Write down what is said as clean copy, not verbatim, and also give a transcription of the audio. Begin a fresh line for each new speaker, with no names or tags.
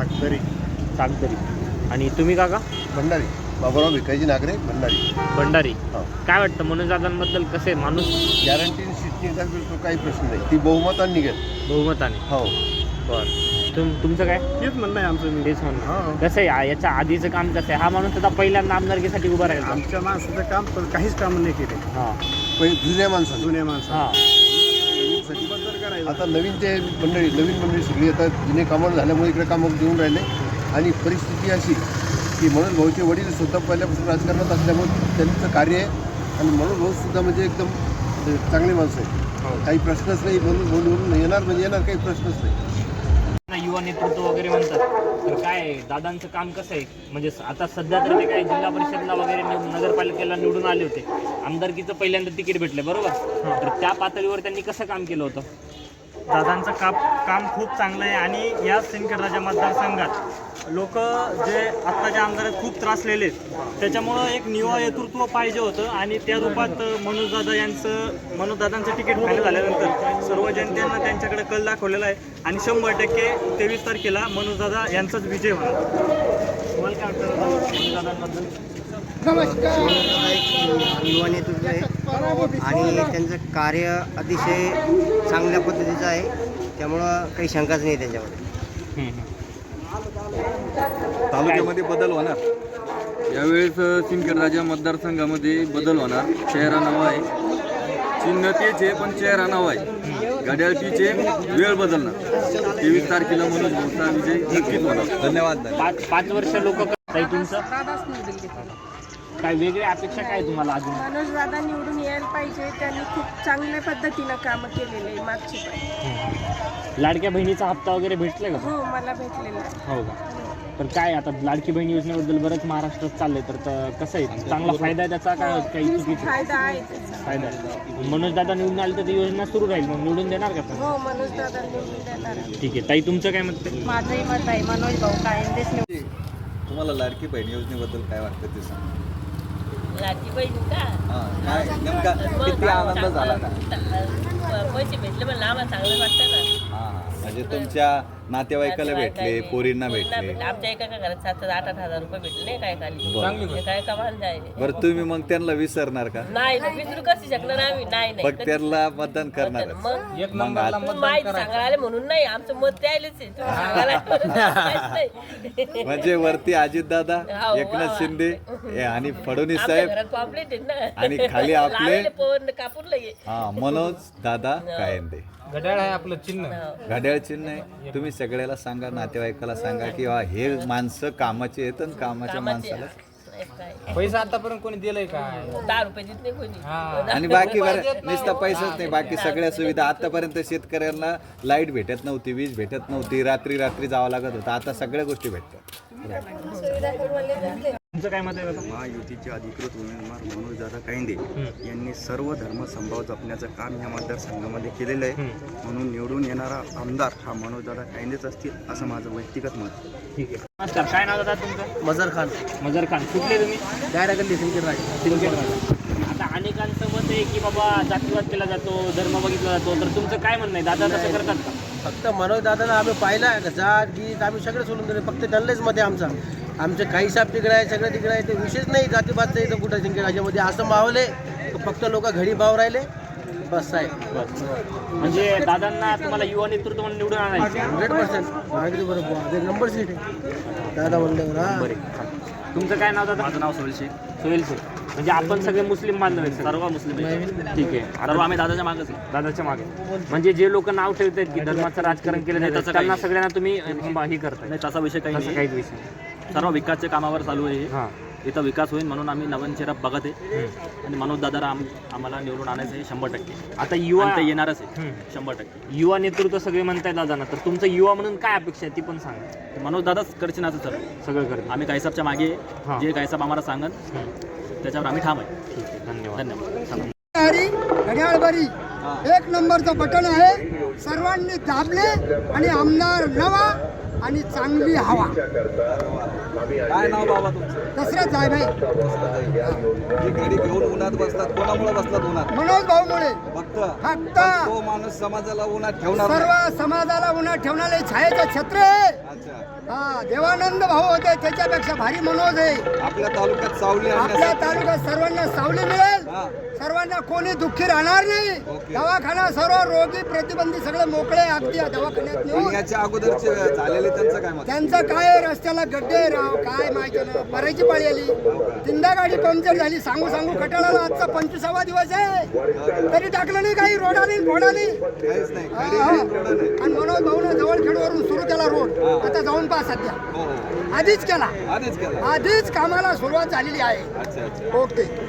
सागदरी. आणि तुम्ही काका?
भंडारी. बाबूराव भिकाजी नागरे, भंडारी.
भंडारी. काय वाटतं मनोजदादांबद्दल कसे माणूस?
गॅरंटी सीटची तो काही प्रश्न नाही, ती बहुमताने निघेल.
बहुमताने.
हो.
बरं. तुमचं काय?
तेच म्हणणं आहे आमचं.
तेच म्हणणं. कसं आहे याच्या आधीचं काम कसं आहे? हा माणूस आता पहिल्यांदा आमदारकीसाठी उभा राहिला.
आमच्या माणसाचं काम पण काहीच काम नाही केले.
हां.
पहिले जुन्या माणसाला.
जुन्या माणसं
हां.
आता नवीन नवीन मंडळी सगळी आता जुने कामं झाल्यामुळे इकडे कामं देऊन राहिले. आणि परिस्थिती अशी की मनोज भाऊचे वडील स्वतः पहिल्यापासून राजकारणात असल्यामुळे त्यांचं कार्य आहे. आणि मनोज भाऊसुद्धा म्हणजे एकदम चांगले माणसं आहे. काही प्रश्नच नाही. बोलून येणार म्हणजे येणार, काही प्रश्नच नाही.
युवा नेतृत्व वगैरे म्हणतात, तर काय दादांचं काम कसं आहे? म्हणजे आता सध्या तर ते काय जिल्हा परिषदला वगैरे नगरपालिकेला निवडून आले होते, आमदारकीचं पहिल्यांदा तिकीट भेटलं बरोबर. तर त्या पातळीवर त्यांनी कसं काम केलं होतं?
दादांचं काम खूप चांगलं आहे. आणि या सिंदखेड मतदारसंघात लोक जे आत्ताच्या आमदारात खूप त्रासलेले आहेत, त्याच्यामुळं एक युवा नेतृत्व पाहिजे होतं. आणि त्या रूपात मनोजदादांचं तिकीट फायनल झाल्यानंतर सर्व जनतेनं त्यांच्याकडे कल दाखवलेला आहे. आणि 100% 23 तारखेला मनोजदादा यांचाच विजय होणार.
तुम्हाला काय वाटतं मनोजदादांबद्दल?
नमस्कार. युवा नेतृत्व आहे आणि त्यांचं कार्य अतिशय चांगल्या पद्धतीचं आहे, त्यामुळं काही शंकाच नाही त्यांच्यामध्ये.
तालुक्यामध्ये बदल होणार. यावेळेस सिंदखेड राजा मतदारसंघामध्ये बदल होणार. चेहरा नाव आहे, चिन्ह तेच आहे पण चेहरा नाव आहे. घड्याळ तीच आहे, वेळ बदलणार. 23 तारखेला मनोज भाऊचा विजय नक्कीच होणार. धन्यवाद.
5 वर्ष लोक तुमचं काय वेगळी अपेक्षा काय तुम्हाला अजून?
मनोज दादा निवडून यायला पाहिजे. त्यांनी खूप चांगल्या पद्धतीनं कामं केलेले आहे मागची पण.
लाडक्या बहिणीचा हप्ता वगैरे भेटलाय का?
हो, मला भेटलेला आहे.
हो का? तर काय आता लाडकी बहीण योजनेबद्दल बरंच महाराष्ट्रात चाललंय, तर कसं आहे, चांगला फायदा आहे त्याचा का काही चुकीचा
फायदा आहे त्याचा.
फायदा आहे? मनोज दादा निवडून आले तर ती योजना सुरू राहील, मग निवडून देणार का?
हो, मनोज दादा निवडून देणार आहे.
ठीक आहे ताई, तुमचं काय मत आहे?
माझंही मत आहे मनोज भाऊ कायंदेच निवडून.
तुम्हाला लाडकी बहीण योजनेबद्दल काय वाटतं ते सांगा.
लाडकी बहीण का?
काय नेमका किती आनंद झाला का?
पैसे भेटले पण आम्हाला चांगलं वाटतं ना.
म्हणजे तुमच्या नातेवाईकाला भेटले, पोरींना भेटले.
आमच्या एका घरात 7-8 हजार रुपये भेटले काय खाली.
बरं.
काय कमाल जायचे.
बरं, तुम्ही मग त्यांना विसरणार का?
नाही विसरू कसं शकणार आम्ही. नाही
मग त्यांना मतदान करणार.
मग माहिती सांगायला आले म्हणून नाही, आमचं मत द्यायलाच आहे. तुम्ही सांगायला नाही.
म्हणजे वरती अजितदादा, एकनाथ शिंदे आणि फडणवीस साहेब
घरात पॉम्पलेट आहेत ना.
आणि खाली आपले
पवन कापूर लगे.
मनोज दादा कायंदे.
घड्याळ आहे आपलं चिन्ह.
घड्याळ चिन्ह आहे. तुम्ही सगळ्याला सांगा, नातेवाईकाला सांगा की हे माणसं कामाचे आहेत आणि कामाच्या माणसाला.
पैसा आतापर्यंत कोणी दिलंय का?
10 रुपये देत नाही कोणी.
आणि बाकी बरं नुसता पैसाच नाही, बाकी सगळ्या सुविधा. आतापर्यंत शेतकऱ्यांना लाईट भेटत नव्हती, वीज भेटत नव्हती, रात्री जावं लागत होतं. आता सगळ्या गोष्टी भेटतात.
तुमचं काय मत आहे?
महायुतीचे अधिकृत उमेदवार मनोजदादा कायंदे यांनी सर्व धर्म संभाव जपण्याचं काम या मतदारसंघामध्ये केलेलं आहे. म्हणून निवडून येणारा आमदार हा मनोजदादा कायंदेच असतील असं माझं व्यक्तिगत मत आहे.
ठीक आहे. नमस्कार. काय नाव दादा तुमचं?
मजर खान.
मजर खान. कुठले तुम्ही?
डायरेक्टली सिंदखेड राजा.
सिंदखेड राजा. आता अनेकांचं मत आहे की बाबा जातीवाद केला जातो, धर्म बघितला जातो, तर तुमचं काय म्हणणं आहे? दादा तसं करतात का?
फक्त मनोज दादाला आम्ही पाहिलं आहे, जात गीत आम्ही सगळं सोडून दिले. फक्त त्यांनाच मत आहे आमचा. आमचे काही साहेब तिकडे आहे, सगळं तिकडे आहे. ते विशेष नाही जातीबादचं इथं कुठं सिंदखेड राजामध्ये असं मावले. फक्त लोक घडी भाव राहिले बस आहे.
म्हणजे दादांना तुम्हाला युवा नेतृत्व म्हणून निवडून आणायचं?
100% माहिती बरोबर. नंबर सीट आहे दादा म्हणल्यावर. हा.
तुमचं काय नाव दादा?
माझं नाव सोहेल शेख.
सोहेल शेख. म्हणजे आपण सगळे मुस्लिम बांधव आहेत?
सर्व मुस्लिम आहे.
ठीक आहे.
सर्व आम्ही दादाच्या मागच आहे.
दादाच्या मागे. म्हणजे जे लोक नाव ठेवतात की धर्माचं राजकारण केलं जातं, त्यांना सगळ्यांना तुम्ही हे करताय?
नाही, तसा विषय काही
असं
नाही.
काहीच विषय.
सर्व विकासच्या कामावर चालू आहे.
हां.
इथं विकास होईल म्हणून आम्ही नवीन चेहरा बघत आहे. आणि मनोज दादाला आम्हाला निवडून आणायचं आहे 100%.
आता युवा
ते येणारच आहे 100%.
युवा नेतृत्व सगळे म्हणताय दादांना, तर तुमचं युवा म्हणून काय अपेक्षा आहे ती पण सांगा.
मनोज दादाच करचे नाचं सर.
सगळं करते.
आम्ही गायसाबच्या मागे
हां.
जे गायसाब आम्हाला सांगन त्याच्यावर आम्ही ठाम आहे.
ठीक आहे. धन्यवाद.
धन्यवाद.
घड्याळ बरी 1 नंबरचं बटन आहे. सर्वांनी दाबले आणि आमदार नवा आणि चांगली हवा.
काय नाव बाबा तुमचं?
दसराच आहे भाई.
जी गाडी घेऊन उन्हात बसतात, कोणामुळे बसतात उन्हात?
मनोज भाऊमुळे.
फक्त
फक्त
तो माणूस समाजाला उन्हात ठेवणार
सर्व समाजाला उन्हात ठेवणारे छायेचं छत्र आहे.
अच्छा.
हा. देवानंद भाऊ होते त्याच्यापेक्षा भारी मनोज आहे.
आपल्या तालुक्यात सावली
आपल्या तालुक्यात सर्वांना सावली मिळेल, सर्वांना कोणी दुःखी राहणार नाही. दवाखाना सर्व रोगी प्रतिबंधी सगळे मोकळे अगदी दवाखान्यात नेऊन.
याच्या अगोदरचे झालेले त्यांचं काय मत?
त्यांचं काय रस्त्याला गड्डे राव काय माहिती ना, भरायची पाळी आली, तीनदा गाडी पंक्चर झाली. सांगू सांगू खटाळाला आजचा 25वा दिवस आहे तरी टाकलं नाही काही रोड आली घोडाली.
काहीच नाही.
आणि मनोज भाऊनं जवळखेडवरून सुरू केला रोड, आता जाऊन पहा सध्या. आधीच केला, आधीच कामाला सुरुवात झालेली आहे. ओके.